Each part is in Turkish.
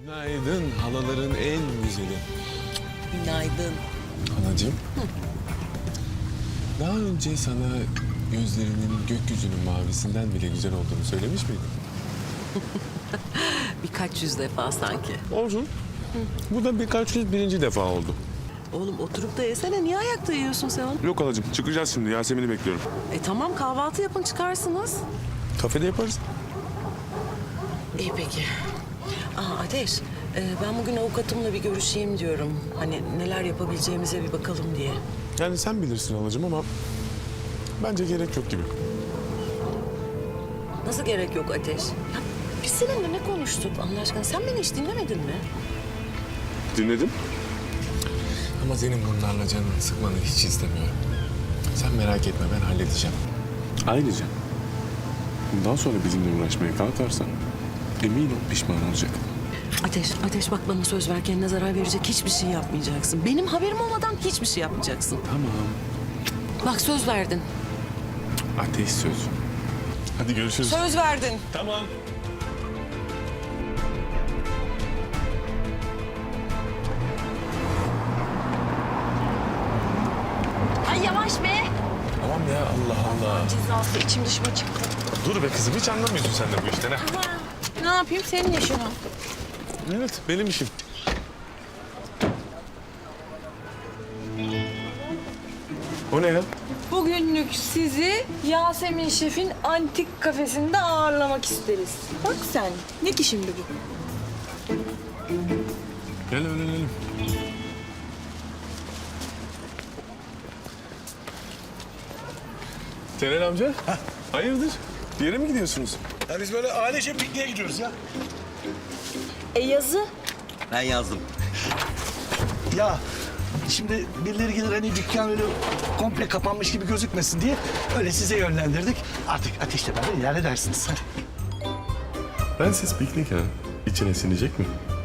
Günaydın halaların en güzeli. Günaydın. Halacığım. Daha önce sana gözlerinin gökyüzünün mavisinden bile güzel olduğunu söylemiş miydim? Birkaç yüz defa sanki. Olsun. Bu da birkaç yüz birinci defa oldu. Oğlum oturup da yesene. Niye ayakta yiyorsun sen onu? Yok halacığım çıkacağız şimdi Yasemin'i bekliyorum. Tamam kahvaltı yapın çıkarsınız. Kafede yaparız. İyi peki. Ateş, ben bugün avukatımla bir görüşeyim diyorum. Hani neler yapabileceğimize bir bakalım diye. Yani sen bilirsin halacığım ama bence gerek yok gibi. Nasıl gerek yok Ateş? Ya biz seninle ne konuştuk Allah aşkına? Sen beni hiç dinlemedin mi? Dinledim. Ama senin bunlarla canını sıkmanı hiç istemiyorum. Sen merak etme ben halledeceğim. Ayrıca bundan sonra bizimle uğraşmaya kalkarsan emin ol pişman olacak. Ateş bak bana söz ver, kendine zarar verecek hiçbir şey yapmayacaksın. Benim haberim olmadan hiçbir şey yapmayacaksın. Tamam. Bak söz verdin. Ateş söz. Hadi görüşürüz. Söz verdin. Tamam. Ay yavaş be. Tamam ya Allah Allah. Cezası içim dışıma çıktı. Dur be kızım hiç anlamıyorsun sen de bu işten ha. Ne yapayım senin yaşına? Evet benim işim. O ne ya? Bugünlük sizi Yasemin Şef'in antik kafesinde ağırlamak isteriz. Bak sen. Ne ki şimdi bu? Gel öğrenelim. Celal amca. Hayırdır? Bir yere mi gidiyorsunuz? Ya biz böyle ailece pikniğe gidiyoruz ya. Yazı. Ben yazdım. Ya şimdi birileri gelir hani dükkan öyle komple kapanmış gibi gözükmesin diye öyle size yönlendirdik. Artık ateşle beraber ilerledersiniz. Hadi. Ben siz piknik ha. İçine sinecek mi?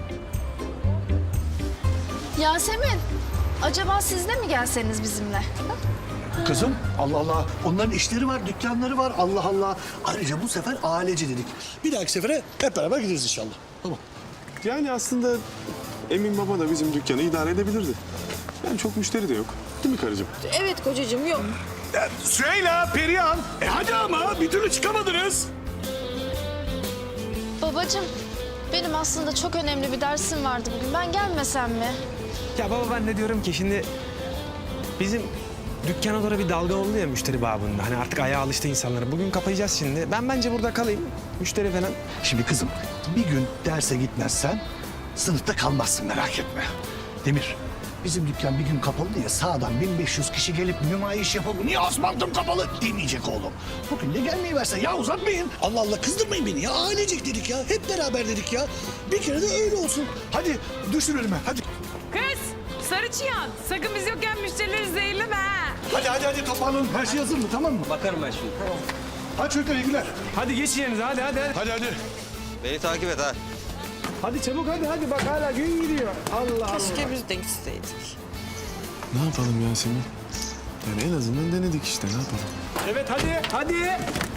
Yasemin, acaba siz de mi gelseniz bizimle? Kızım Allah Allah onların işleri var, dükkanları var Allah Allah. Ayrıca bu sefer ailece dedik. Bir dahaki sefere hep beraber gideriz inşallah. Tamam. Yani aslında Emin Baba da bizim dükkanı idare edebilirdi. Yani çok müşteri de yok. Değil mi karıcığım? Evet kocacığım yok. Süheyla, Perihan. Hadi ama bir türlü çıkamadınız. Babacığım, benim aslında çok önemli bir dersim vardı bugün. Ben gelmesem mi? Ya baba ben de diyorum ki şimdi bizim dükkana doğru bir dalga oldu ya müşteri babında. Hani artık ayağa alıştı insanlara. Bugün kapayacağız şimdi. Ben bence burada kalayım. Müşteri falan. Şimdi kızım bir gün derse gitmezsen sınıfta kalmazsın merak etme. Demir bizim dükkan bir gün kapalı diye sağdan 1500 kişi gelip nümayiş yapalım. Niye Osman'ım kapalı demeyecek oğlum. Bugün de gelmeyi versen ya uzatmayın. Allah Allah kızdırmayın beni ya ailecek dedik ya hep beraber dedik ya. Bir kere de öyle olsun. Hadi düşün önüme hadi. Kız, sarı çıyan. Sakın biz yokken müşterileri zehirleme ha. Hadi toparlanın her şey hazır mı tamam mı? Bakarım ben şimdi. Hadi çocuklar iyi günler. Hadi geç yerinize hadi. Hadi. Beni takip et ha. Hadi çabuk hadi bak hala gün gidiyor. Allah Allah. Keşke biz de gitseydik. Ne yapalım Yasemin? Yani en azından denedik işte ne yapalım? Evet hadi.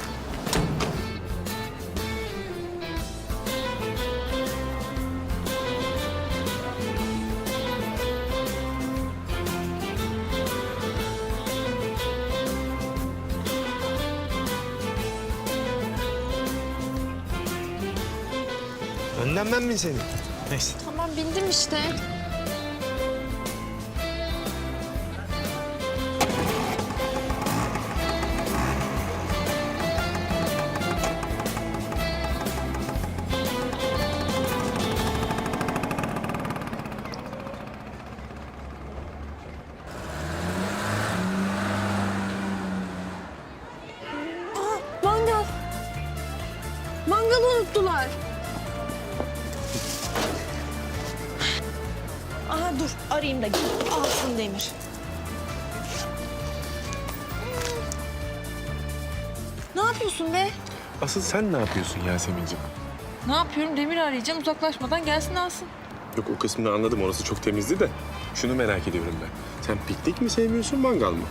Önden ben mi senin? Neyse. Tamam bindim işte. Mangal. Mangalı unuttular. Aha dur arayayım da alsın Demir. Ne yapıyorsun be? Asıl sen ne yapıyorsun Yasemin'ciğim? Ne yapıyorum? Demir arayacağım. Uzaklaşmadan gelsin alsın. Yok o kısmını anladım orası çok temizdi de. Şunu merak ediyorum ben. Sen piknik mi sevmiyorsun mangal mı?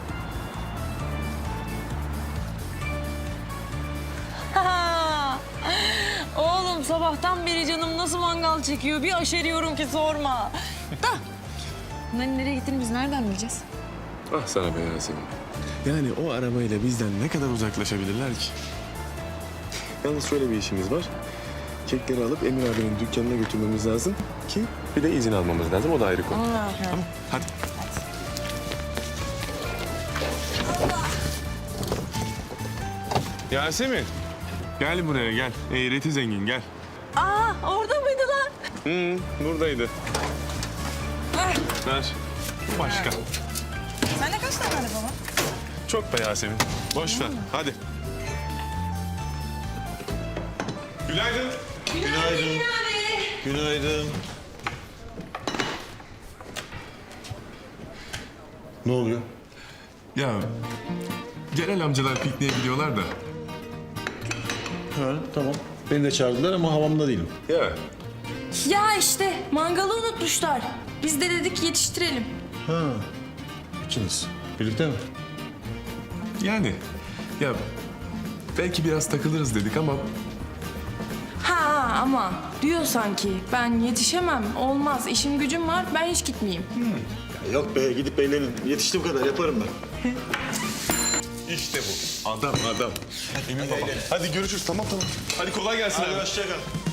Oğlum sabah sabahtan beri canım nasıl mangal çekiyor. Bir aşeriyorum ki sorma. Da. Bunların nereye gittiğini biz nereden bileceğiz? Ah sana be Yasemin. Yani o arabayla bizden ne kadar uzaklaşabilirler ki? Yalnız şöyle bir işimiz var. Kekleri alıp Emir abinin dükkanına götürmemiz lazım ki bir de izin almamız lazım. O da ayrı konu. Tamam, hadi. Yasemin, gel buraya gel. Eğreti zengin gel. Aa orada mıydı lan? Buradaydı. Ver. Ver. Başka. Sende kaç tane araba var? Çok be Yasemin. Boş ver. Hadi. Günaydın. Günaydın. Günaydın. Ne oluyor? Ya genel amcalar pikniğe gidiyorlar da. Ha, tamam. Beni de çağırdılar ama havamda değilim. Ya Ya işte mangalı unutmuşlar. Biz de dedik yetiştirelim. Ha. İkiniz. Birlikte mi? yani ya belki biraz takılırız dedik ama Ha ama diyor sanki ben yetişemem olmaz işim gücüm var ben hiç gitmeyeyim. Ya yok be, gidip eğlenin. Yetiştiğim kadar yaparım ben. işte bu. Adam. Emin baba. Hadi görüşürüz. Tamam. Hadi kolay gelsin abi. Hoşça kal.